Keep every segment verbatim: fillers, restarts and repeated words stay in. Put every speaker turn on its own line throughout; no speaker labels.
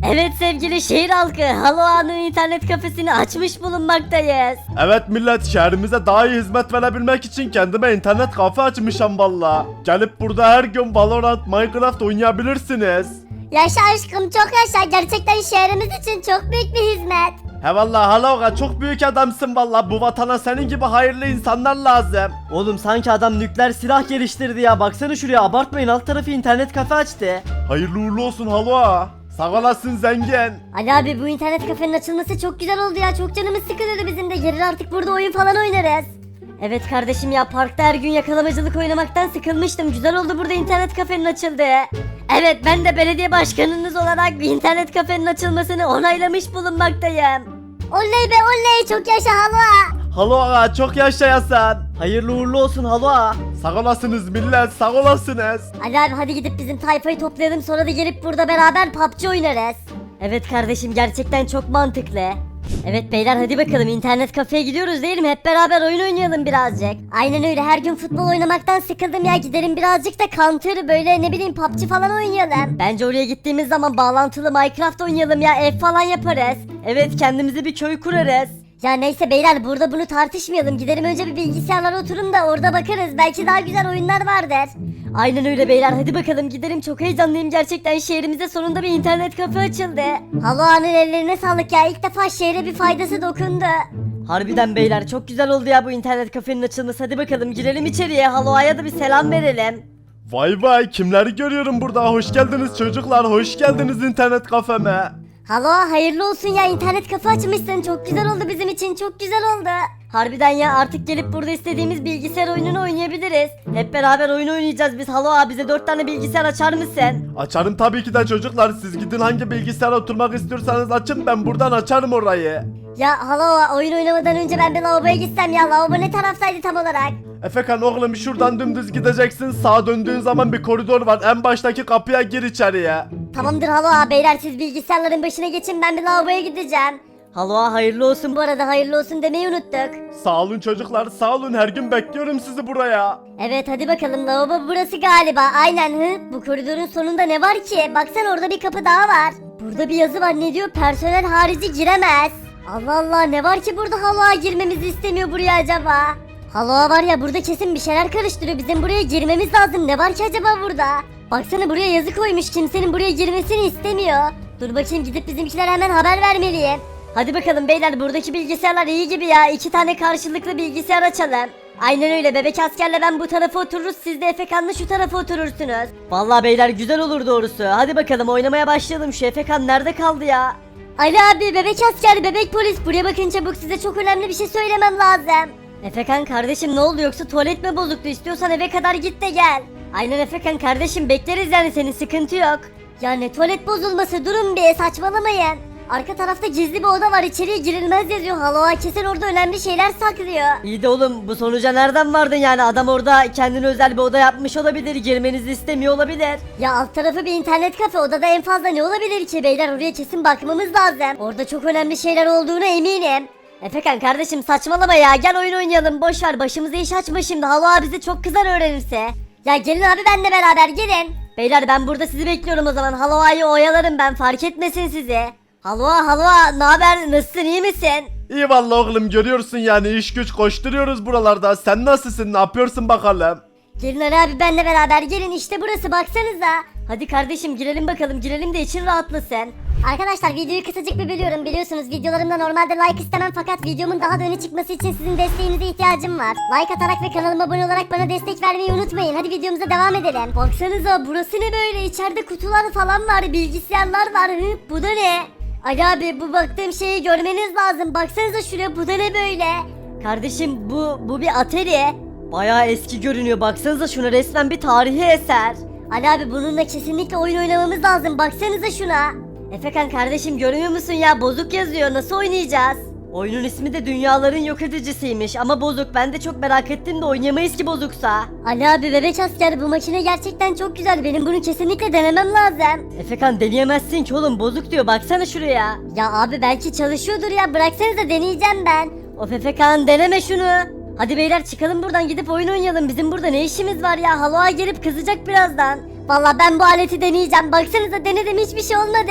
Evet sevgili şehir halkı, Haloa'nın internet kafesini açmış bulunmaktayız.
Evet millet, şehrimize daha iyi hizmet verebilmek için kendime internet kafe açmışım valla. Gelip burada her gün Valorant, Minecraft oynayabilirsiniz.
Yaşa aşkım, çok yaşa. Gerçekten şehrimiz için çok büyük bir hizmet.
He valla Haloa, çok büyük adamsın valla, bu vatana senin gibi hayırlı insanlar lazım.
Oğlum sanki adam nükleer silah geliştirdi ya. Baksana şuraya, abartmayın, alt tarafı internet kafe açtı.
Hayırlı uğurlu olsun Haloa. Sağ olasın zengin.
Ali abi, bu internet kafenin açılması çok güzel oldu ya. Çok canımız sıkılıyordu bizim de. Gelir artık burada oyun falan oynarız.
Evet kardeşim ya, parkta her gün yakalamacılık oynamaktan sıkılmıştım. Güzel oldu burada internet kafenin açıldı. Evet, ben de belediye başkanınız olarak bir internet kafenin açılmasını onaylamış bulunmaktayım.
Oley be oley, çok yaşa Haloa.
Haloa, çok yaşayasın.
Hayırlı uğurlu olsun Haloa.
Sağ olasınız millet, sağ olasınız.
Ali abi, hadi gidip bizim tayfayı toplayalım, sonra da gelip burada beraber P U B G oynarız.
Evet kardeşim, gerçekten çok mantıklı. Evet beyler, hadi bakalım internet kafeye gidiyoruz değil mi? Hep beraber oyun oynayalım birazcık.
Aynen öyle, her gün futbol oynamaktan sıkıldım ya. Gidelim birazcık da Counter, böyle ne bileyim P U B G falan oynayalım.
Bence oraya gittiğimiz zaman bağlantılı Minecraft oynayalım ya, ev falan yaparız.
Evet, kendimize bir köy kurarız.
Ya neyse beyler, burada bunu tartışmayalım. Gidelim önce bir bilgisayarlara oturun da orada bakarız. Belki daha güzel oyunlar vardır.
Aynen öyle beyler, hadi bakalım gidelim, çok heyecanlıyım gerçekten, şehrimize sonunda bir internet kafe açıldı.
Haloa'nın ellerine sağlık ya. İlk defa şehre bir faydası dokundu.
Harbiden beyler, çok güzel oldu ya bu internet kafenin açılması. Hadi bakalım girelim içeriye, Haloa'ya da bir selam verelim.
Vay vay, kimleri görüyorum burada, hoş geldiniz çocuklar, hoş geldiniz internet kafeme.
Haloa, hayırlı olsun ya, internet kafe açmışsın. Çok güzel oldu bizim için, çok güzel oldu.
Harbiden ya, artık gelip burada istediğimiz bilgisayar oyununu oynayabiliriz. Hep beraber oyun oynayacağız biz. Halo bize dört tane bilgisayar açar mısın?
Açarım tabii ki de çocuklar, siz gidin hangi bilgisayara oturmak istiyorsanız açın, ben buradan açarım orayı.
Ya Haloa, oyun oynamadan önce ben bir lavaboya gitsem ya. Lavabo ne taraftaydı tam olarak?
Efekan oğlum, şuradan dümdüz gideceksin, sağa döndüğün zaman bir koridor var, en baştaki kapıya gir içeriye.
Tamamdır Haloa, beyler siz bilgisayarların başına geçin, ben bir lavaboya gideceğim.
Haloa hayırlı olsun.
Bu arada hayırlı olsun demeyi unuttuk.
Sağ olun çocuklar, sağ olun, her gün bekliyorum sizi buraya.
Evet hadi bakalım, lavabo burası galiba. Aynen. Hı, bu koridorun sonunda ne var ki? Baksana, orada bir kapı daha var. Burada bir yazı var, ne diyor? Personel harici giremez. Allah Allah, ne var ki burada Haloa girmemizi istemiyor buraya acaba? Haloa var ya, burada kesin bir şeyler karıştırıyor. Bizim buraya girmemiz lazım. Ne var ki acaba burada? Baksana, buraya yazı koymuş, kimsenin buraya girmesini istemiyor. Dur bakayım, gidip bizimkilere hemen haber vermeliyim.
Hadi bakalım beyler, buradaki bilgisayarlar iyi gibi ya. İki tane karşılıklı bilgisayar açalım. Aynen öyle, bebek askerle ben bu tarafa otururuz, siz de Efekan'la şu tarafa oturursunuz.
Vallahi beyler güzel olur doğrusu. Hadi bakalım oynamaya başlayalım. Şu Efekan nerede kaldı ya?
Ali abi, bebek asker, bebek polis, buraya bakın çabuk, size çok önemli bir şey söylemem lazım.
Efekan kardeşim, ne oldu, yoksa tuvalet mi bozuktu? İstiyorsan eve kadar git de gel. Aynen Efekan kardeşim, bekleriz yani, senin sıkıntı yok.
Ya ne tuvalet bozulması, durun bir, saçmalamayın. Arka tarafta gizli bir oda var, içeriye girilmez yazıyor. Haloa kesin orada önemli şeyler saklıyor.
İyi de oğlum, bu sonuca nereden vardın yani? Adam orada kendine özel bir oda yapmış olabilir. Girmenizi istemiyor olabilir.
Ya alt tarafı bir internet kafe, odada en fazla ne olabilir ki beyler, oraya kesin bakmamız lazım. Orada çok önemli şeyler olduğuna eminim.
Efekan kardeşim saçmalama ya, gel oyun oynayalım, boş ver, başımıza iş açma şimdi. Halo bizi çok kızar öğrenirse.
Ya gelin abi, benle beraber gelin.
Beyler ben burada sizi bekliyorum o zaman. Haloa'yı oyalarım ben, fark etmesin sizi. Haloa Haloa, ne haber, nasılsın, iyi misin?
İyi vallahi oğlum, görüyorsun yani, iş güç koşturuyoruz buralarda, sen nasılsın, ne yapıyorsun bakalım?
Gelin Ali abi, benle beraber gelin, işte burası, baksanıza.
Hadi kardeşim girelim bakalım, girelim de için rahatlasın.
Arkadaşlar videoyu kısacık bir bölüyorum, biliyorsunuz videolarımda normalde like istemem, fakat videomun daha da öne çıkması için sizin desteğinize ihtiyacım var. Like atarak ve kanalıma abone olarak bana destek vermeyi unutmayın. Hadi videomuza devam edelim.
Baksanıza, burası ne böyle, içeride kutular falan var, bilgisayarlar var. Hı, bu da ne?
Ali abi, bu baktığım şeyi görmeniz lazım. Baksanıza şuraya, bu da ne böyle?
Kardeşim bu bu bir atari.
Bayağı eski görünüyor. Baksanıza şuna, resmen bir tarihi eser.
Ali abi, bununla kesinlikle oyun oynamamız lazım. Baksanıza şuna.
Efekan kardeşim, görmüyor musun ya, bozuk yazıyor, nasıl oynayacağız?
Oyunun ismi de dünyaların yok edicisiymiş ama bozuk. Ben de çok merak ettim de oynayamayız ki bozuksa.
Ali abi, bebek asker, bu makine gerçekten çok güzel. Benim bunu kesinlikle denemem lazım.
Efekan deneyemezsin ki oğlum, bozuk diyor, baksana şuraya.
Ya abi, belki çalışıyordur ya. Bıraksanıza, deneyeceğim ben.
Of Efekan, deneme şunu. Hadi beyler çıkalım buradan, gidip oyun oynayalım. Bizim burada ne işimiz var ya? Haloa gelip kızacak birazdan.
Vallahi ben bu aleti deneyeceğim. Baksanıza, denedim, hiçbir şey olmadı.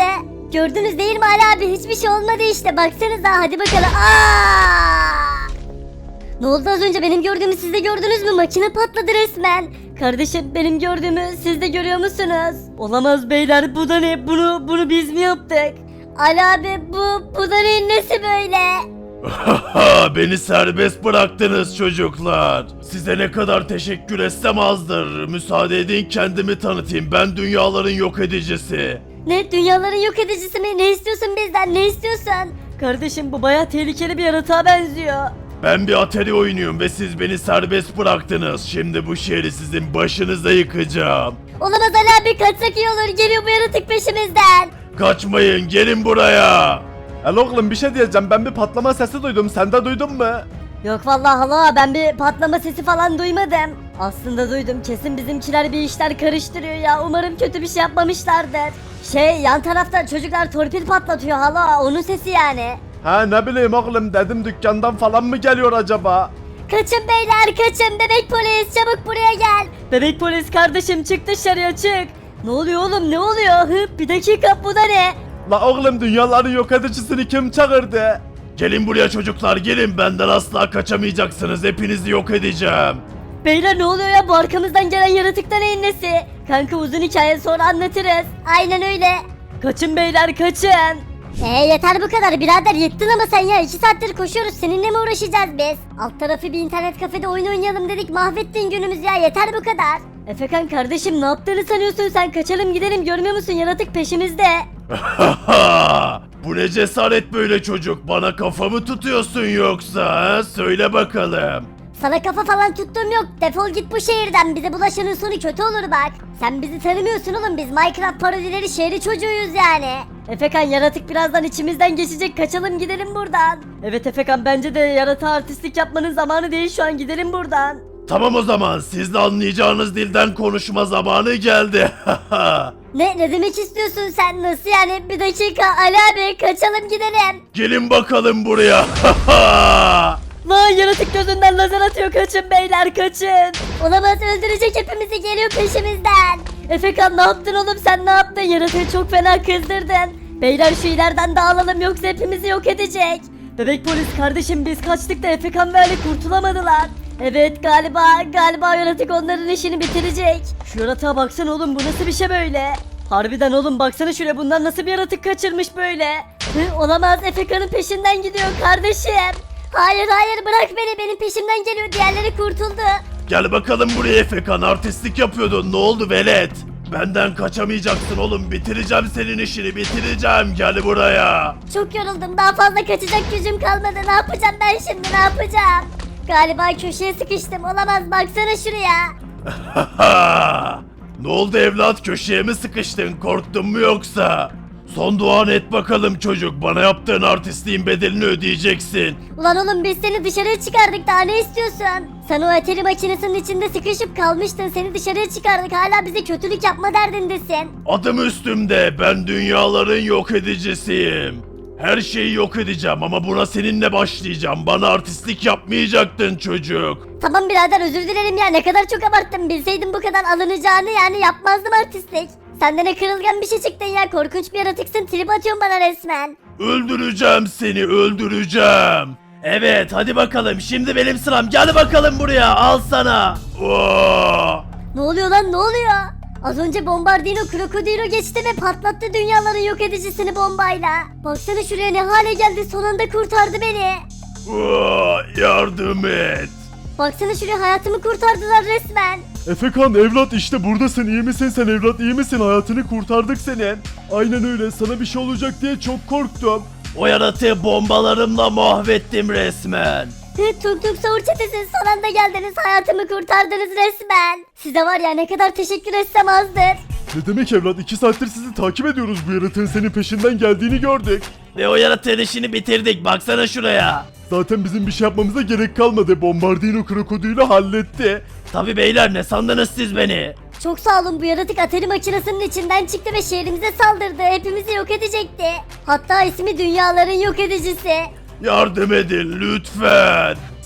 Gördünüz değil mi Ali abi? Hiçbir şey olmadı işte. Baksanıza hadi bakalım. Aa! Ne oldu az önce? Benim gördüğümü siz de gördünüz mü? Makine patladı resmen.
Kardeşim benim gördüğümü siz de görüyor musunuz? Olamaz beyler, bu da ne? Bunu bunu biz mi yaptık?
Ali abi bu, bu da neyin nesi böyle?
Beni serbest bıraktınız çocuklar. Size ne kadar teşekkür etsem azdır. Müsaade edin kendimi tanıtayım. Ben dünyaların yok edicisi.
Ne, dünyaların yok edicisi mi? Ne istiyorsun bizden? Ne istiyorsun?
Kardeşim bu baya tehlikeli bir yaratığa benziyor.
Ben bir Atari oynuyorum ve siz beni serbest bıraktınız. Şimdi bu şehri sizin başınıza yıkacağım.
Olamaz Ali abi, kaçsak iyi olur. Geliyor bu yaratık peşimizden.
Kaçmayın, gelin buraya. El oğlum bir şey diyeceğim. Ben bir patlama sesi duydum. Sen de duydun mu?
Yok vallahi hala ben bir patlama sesi falan duymadım. Aslında duydum, kesin bizimkiler bir işler karıştırıyor ya. Umarım kötü bir şey yapmamışlardır. Şey, yan tarafta çocuklar torpil patlatıyor hala, onun sesi yani.
Ha ne bileyim oğlum, dedim dükkandan falan mı geliyor acaba?
Kaçın beyler, kaçın. Bebek polis çabuk buraya gel.
Bebek polis kardeşim çık dışarıya çık. Ne oluyor oğlum, ne oluyor? Hı, bir dakika, bu da ne?
La oğlum, dünyaların yok edicisini kim çağırdı? Gelin buraya çocuklar, gelin, benden asla kaçamayacaksınız, hepinizi yok edeceğim.
Beyler ne oluyor ya, bu arkamızdan gelen yaratık da neyin nesi? Kanka uzun hikaye, sonra anlatırız.
Aynen öyle.
Kaçın beyler, kaçın.
Ee yeter bu kadar birader, yettin ama sen ya. iki saattir koşuyoruz, seninle mi uğraşacağız biz? Alt tarafı bir internet kafede oyun oynayalım dedik, mahvettin günümüz ya, yeter bu kadar.
Efekan kardeşim ne yaptığını sanıyorsun sen? Kaçalım gidelim, görmüyor musun, yaratık peşimizde.
Bu ne cesaret böyle çocuk, bana kafamı tutuyorsun yoksa ha? Söyle bakalım.
Sana kafa falan tuttuğum yok, defol git bu şehirden, bize bulaşanın sonu kötü olur bak. Sen bizi tanımıyorsun oğlum, biz Minecraft parodileri şehri çocuğuyuz yani.
Efekan yaratık birazdan içimizden geçecek, kaçalım gidelim buradan. Evet Efekan, bence de yaratığa artistlik yapmanın zamanı değil şu an, gidelim buradan.
Tamam o zaman, sizle anlayacağınız dilden konuşma zamanı geldi.
Ne, ne demek istiyorsun sen, nasıl yani? Bir dakika Ali abi, kaçalım gidelim.
Gelin bakalım buraya.
Vay, yaratık gözünden lazer atıyor, kaçın beyler kaçın.
Olamaz, öldürecek hepimizi, geliyor peşimizden.
Efekan ne yaptın oğlum, sen ne yaptın, yaratığı çok fena kızdırdın. Beyler şu ileriden dağılalım yoksa hepimizi yok edecek. Bebek polis kardeşim, biz kaçtık da Efekan ve Ali kurtulamadılar. Evet galiba galiba yaratık onların işini bitirecek. Şu yaratığa baksana oğlum, bu nasıl bir şey böyle? Harbiden oğlum, baksana şuraya, bunlar nasıl bir yaratık kaçırmış böyle?
Hı, olamaz, Efeka'nın peşinden gidiyor kardeşim. Hayır hayır, bırak beni, benim peşimden geliyor, diğerleri kurtuldu.
Gel bakalım buraya Efekan, artistlik yapıyordun, ne oldu velet? Benden kaçamayacaksın oğlum, bitireceğim senin işini, bitireceğim, gel buraya.
Çok yoruldum, daha fazla kaçacak gücüm kalmadı, ne yapacağım ben şimdi, ne yapacağım? Galiba köşeye sıkıştım, olamaz, baksana şuraya.
Ne oldu evlat, köşeye mi sıkıştın, korktun mu yoksa? Son duan et bakalım çocuk, bana yaptığın artistliğin bedelini ödeyeceksin.
Ulan oğlum, biz seni dışarıya çıkardık, daha ne istiyorsun? Sen o atari makinesinin içinde sıkışıp kalmıştın, seni dışarıya çıkardık, hala bize kötülük yapma derdindesin.
Adım üstümde, ben dünyaların yok edicisiyim. Her şeyi yok edeceğim ama buna seninle başlayacağım. Bana artistlik yapmayacaktın çocuk.
Tamam birader, özür dilerim ya, ne kadar çok abarttım, bilseydim bu kadar alınacağını yani yapmazdım artistlik. Sen de ne kırılgan bir şey çıktın ya, korkunç bir yaratıksın, trip atıyorsun bana resmen.
Öldüreceğim seni, öldüreceğim. Evet hadi bakalım, şimdi benim sıram, gel bakalım buraya, al sana. Oo.
Ne oluyor lan, ne oluyor? Az önce Bombardino Krokodilo geçti ve patlattı dünyaların yok edicisini bombayla. Baksana şuraya, ne hale geldi, son anda kurtardı beni.
Oo, yardım et.
Baksana şuraya, hayatımı kurtardılar resmen.
Efekan evlat, işte buradasın, iyi misin sen evlat, iyi misin, hayatını kurtardık senin. Aynen öyle, sana bir şey olacak diye çok korktum. O yaratığı bombalarımla mahvettim resmen.
Tung Tung Savur çetesi, son anda geldiniz, hayatımı kurtardınız resmen. Size var ya, ne kadar teşekkür etsem azdır.
Ne demek evlat, iki saattir sizi takip ediyoruz, bu yaratığın senin peşinden geldiğini gördük. Ve o yaratığın işini bitirdik, baksana şuraya. Zaten bizim bir şey yapmamıza gerek kalmadı, Bombardino krokodili halletti. Tabi beyler, ne sandınız siz beni?
Çok sağ olun, bu yaratık atari makinesinin içinden çıktı ve şehrimize saldırdı, hepimizi yok edecekti. Hatta ismi dünyaların yok edicisi.
Yardım edin lütfen.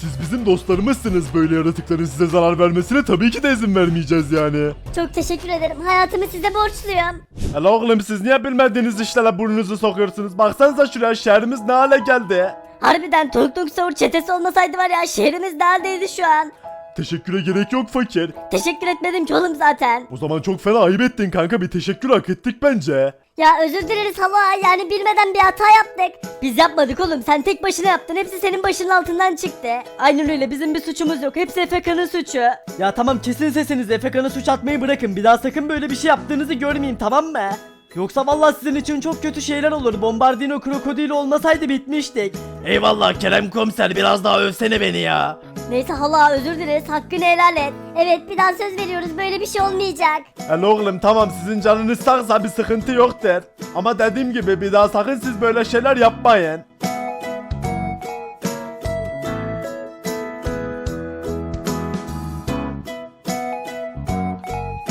Siz bizim dostlarımızsınız. Böyle yaratıkların size zarar vermesine tabii ki de izin vermeyeceğiz yani.
Çok teşekkür ederim. Hayatımı size borçluyum.
Hele oğlum siz niye bilmediğiniz işlere burnunuzu sokuyorsunuz? Baksanıza şuraya, şehrimiz ne hale geldi.
Harbiden Tung Tung Sahur çetesi olmasaydı var ya, şehrimiz neredeydi şu an?
Teşekküre gerek yok fakir.
Teşekkür etmedim ki oğlum zaten.
O zaman çok fena ayıp ettin kanka, bir teşekkür hak ettik bence.
Ya özür dileriz hala, yani bilmeden bir hata yaptık.
Biz yapmadık oğlum, sen tek başına yaptın, hepsi senin başının altından çıktı. Aynen öyle, bizim bir suçumuz yok, hepsi Efeka'nın suçu.
Ya tamam, kesin sesinizi, Efeka'na suç atmayı bırakın. Bir daha sakın böyle bir şey yaptığınızı görmeyeyim, tamam mı? Yoksa vallahi sizin için çok kötü şeyler olur. Bombardino krokodili olmasaydı bitmiştik.
Eyvallah Kerem komiser, biraz daha övsene beni ya.
Neyse hala, özür dileriz, hakkını helal et.
Evet, bir daha söz veriyoruz, böyle bir şey olmayacak.
Hele oğlum tamam, sizin canınız sağsa bir sıkıntı yoktur. Ama dediğim gibi bir daha sakın siz böyle şeyler yapmayın.